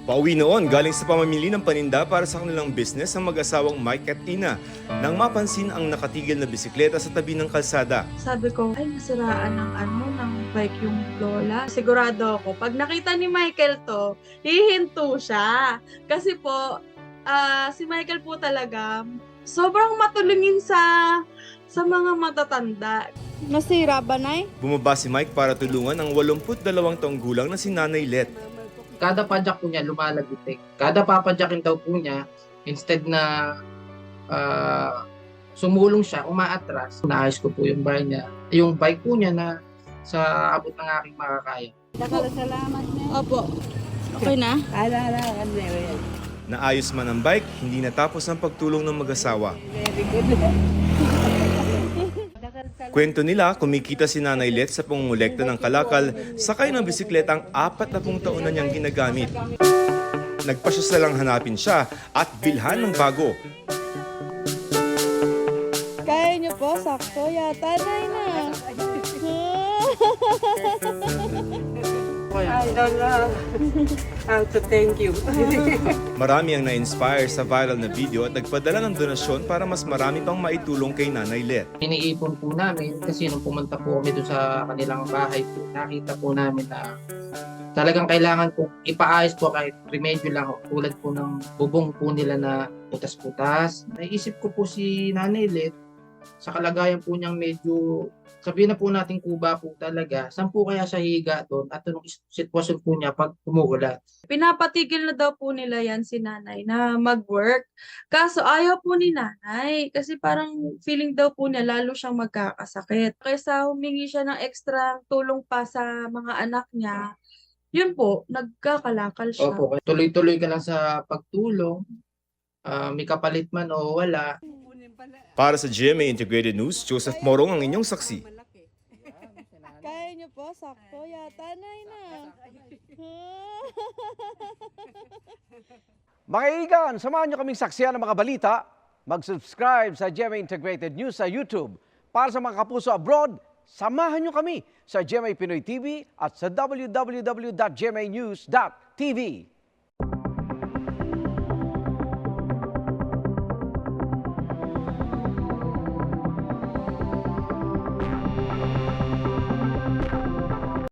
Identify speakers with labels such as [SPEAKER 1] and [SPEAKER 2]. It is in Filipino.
[SPEAKER 1] Pauwi noon galing sa pamamili ng paninda para sa kanilang business ang mag-asawang Mike at Ina nang mapansin ang nakatigil na bisikleta sa tabi ng kalsada.
[SPEAKER 2] Sabi ko, ay nasiraan ng bike yung lola. Sigurado ako, pag nakita ni Michael to, hihinto siya. Kasi po, si Michael po talaga, sobrang matulungin sa mga matatanda.
[SPEAKER 3] Nasira ba, Nay?
[SPEAKER 1] Bumaba si Mike para tulungan ang 82 taong gulang na si Nanay Let.
[SPEAKER 4] Kada padyak po niya lumalagutik. Kada papadyakin daw po niya, instead na sumulong siya, umaatras, naayos ko po yung bike niya. Yung bike po niya na sa abot ng aking makakaya.
[SPEAKER 3] Salamat niya. Opo. Okay na?
[SPEAKER 1] Naayos man ang bike, hindi natapos ang pagtulong ng mag-asawa. Kwento nila, kumikita si Nanay Let sa pangungulekta ng kalakal, sakay ng bisikletang 40 taon na niyang ginagamit. Nagpasya silang hanapin siya at bilhan ng bago.
[SPEAKER 3] Kaya niyo po, sakto yata, Nay na.
[SPEAKER 5] I don't know how to thank you.
[SPEAKER 1] Marami ang na-inspire sa viral na video at nagpadala ng donasyon para mas marami pang maitulong kay Nanay Let.
[SPEAKER 4] Iniipon po namin kasi nung pumunta po kami doon sa kanilang bahay po, nakita po namin na talagang kailangan po ipaayos po kahit remedyo lang tulad po ng bubong po nila na putas-putas. Naisip ko po si Nanay Let sa kalagayan po niyang medyo, sabihin na po natin kuba po talaga, saan po kaya siya higa doon at anong sitwasyon po niya pag umuulan.
[SPEAKER 2] Pinapatigil na daw po nila yan si nanay na mag-work. Kaso ayaw po ni nanay kasi parang feeling daw po niya lalo siyang magkakasakit. Kaysa humingi siya ng extra tulong pa sa mga anak niya, yun po, nagkakalakal siya.
[SPEAKER 4] Opo, tuloy-tuloy ka lang sa pagtulong, may kapalit man o wala.
[SPEAKER 1] Para sa GMA Integrated News, Joseph Morong ang inyong saksi.
[SPEAKER 3] Kaya niyo po, sakto yata, Nay na.
[SPEAKER 6] Mga igan, samahan niyo kaming saksiyan ng mga balita. Mag-subscribe sa GMA Integrated News sa YouTube. Para sa mga kapuso abroad, samahan niyo kami sa GMA Pinoy TV at sa www.gmanews.tv.